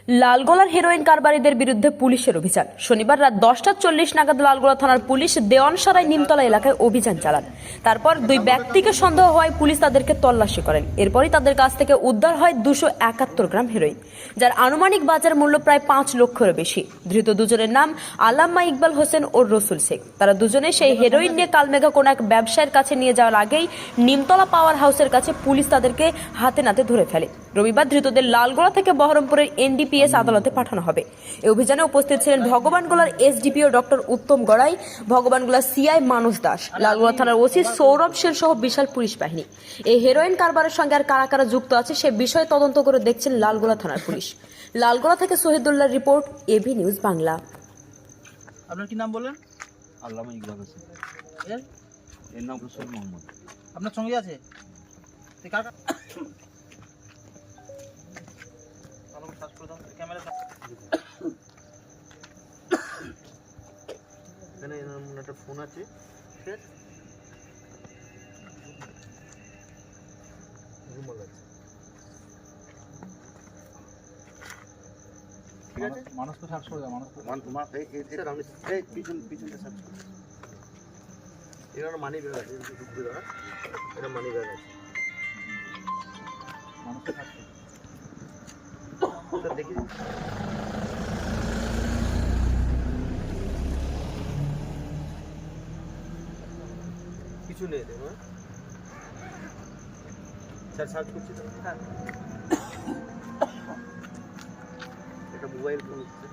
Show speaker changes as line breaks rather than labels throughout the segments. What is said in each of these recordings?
লালগোলার heroin কারবারিদের বিরুদ্ধে পুলিশের অভিযান। শনিবার রাত 10:40 নাগাদ লালগোলা থানার পুলিশ দেওয়ানসারাই নিমতলা এলাকায় অভিযান চালান। তারপর দুই ব্যক্তিকে সন্দেহ হওয়ায় পুলিশ তাদেরকে তল্লাশি করেন। এরপরই তাদের কাছ থেকে উদ্ধার হয় 271 গ্রাম হেরোইন, যার আনুমানিক বাজার মূল্য প্রায় 5 লক্ষের বেশি। ধৃত দুজনের নাম আল্লামা ইকবাল হোসেন ও রসুল শেখ। তারা দুজনে সেই হেরোইন নিয়ে কালমেঘা কোন এক ব্যবসায়ীর কাছে নিয়ে যাওয়ার আগেই নিমতলা পাওয়ার হাউসের কাছে পুলিশ তাদেরকে হাতে নাতে ধরে ফেলে। রবিবার ধৃতদের লালগোলা থেকে বহরমপুরের এনডিপিএস আদালতে পাঠানো হবে। এই অভিযানে উপস্থিত ছিলেন ভগবানগোলার এসডিপিও ডক্টর উত্তম গড়াই, ভগবানগোলার সিআই মানস দাস, লালগোলা থানার ওসি সৌরভ সেন সহ বিশাল পুলিশ বাহিনী। এই হেরোইন কারবারের সঙ্গে আর কারা কারা যুক্ত আছে সে বিষয়ে তদন্ত করে দেখছেন লালগোলা থানার পুলিশ। লালগোলা থেকে শহীদুল্লাহর রিপোর্ট, এবি নিউজ বাংলা।
আপনার কি নাম বললেন?
আল্লামা ইকবাল হোসেন। এর নাম রসুল মোহাম্মদ।
আপনার সঙ্গে আছে? ক্যামেরা
এখানে এরকম একটা ফোন আছে, ঠিক আছে? রুমাল আছে, ঠিক আছে?
মানুষকে সার্চ করে দাও,
এটা আপনি পিছনটা সার্চ করুন। এখানে মানি ব্যাগ আছে, ঢুকবে দাঁড়া, এটা মানি ব্যাগ আছে।
মানুষকে সার্চ করে
স্যার দেখি, কিছু নেই দেখো। স্যার সার্চ করছি তো। হ্যাঁ, এটা মোবাইল ফোন হচ্ছে।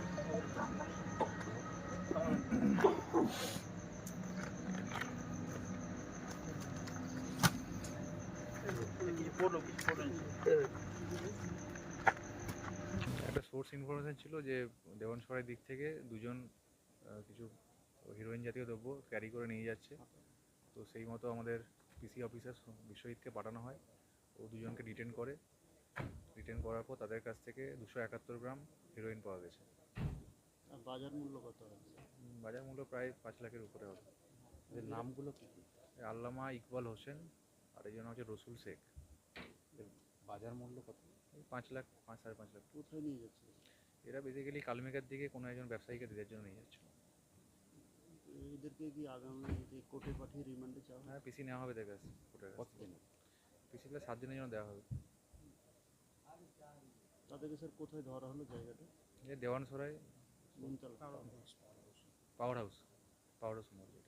একটা সোর্স ইনফরমেশন ছিল যে দেওয়ানসরাই দিক থেকে দুজন কিছু হিরোইন জাতীয় দ্রব্য ক্যারি করে নিয়ে যাচ্ছে। তো সেই মতো আমাদের পিসি অফিসার বিশ্বজিৎকে পাঠানো হয়। ও দুজনকে ডিটেন করে। ডিটেন করার পর তাদের কাছ থেকে 271 গ্রাম হিরোইন পাওয়া গেছে।
বাজার মূল্য কত?
বাজার মূল্য প্রায় 5 লাখের উপরে হবে।
এর নামগুলো কি কি?
আল্লামা ইকবাল হোসেন আর এই জন্য হচ্ছে রসুল শেখ।
বাজার মূল্য কত?
5 লাখ, 5.5 লাখ।
কোথায় নিয়ে যাচ্ছে?
এরা বেসিক্যালি কালমেঘার দিকে কোনো একজন ব্যবসায়ীকে দেওয়ার জন্য নিয়ে যাচ্ছিল।
এদেরকে কি আগামী কোর্টে পাঠিয়ে রিমান্ডে চাওয়া?
হ্যাঁ, পিসি নেওয়া হবে দেখে কোর্টের কাছ থেকে। পিসিতে 7 দিনের জন্য দেওয়া হবে।
তাদেরকে স্যার কোথায় ধরা হলো জায়গাটা?
দেওয়ানসরাই
নিমতলা
পাওয়ার হাউস মোড়।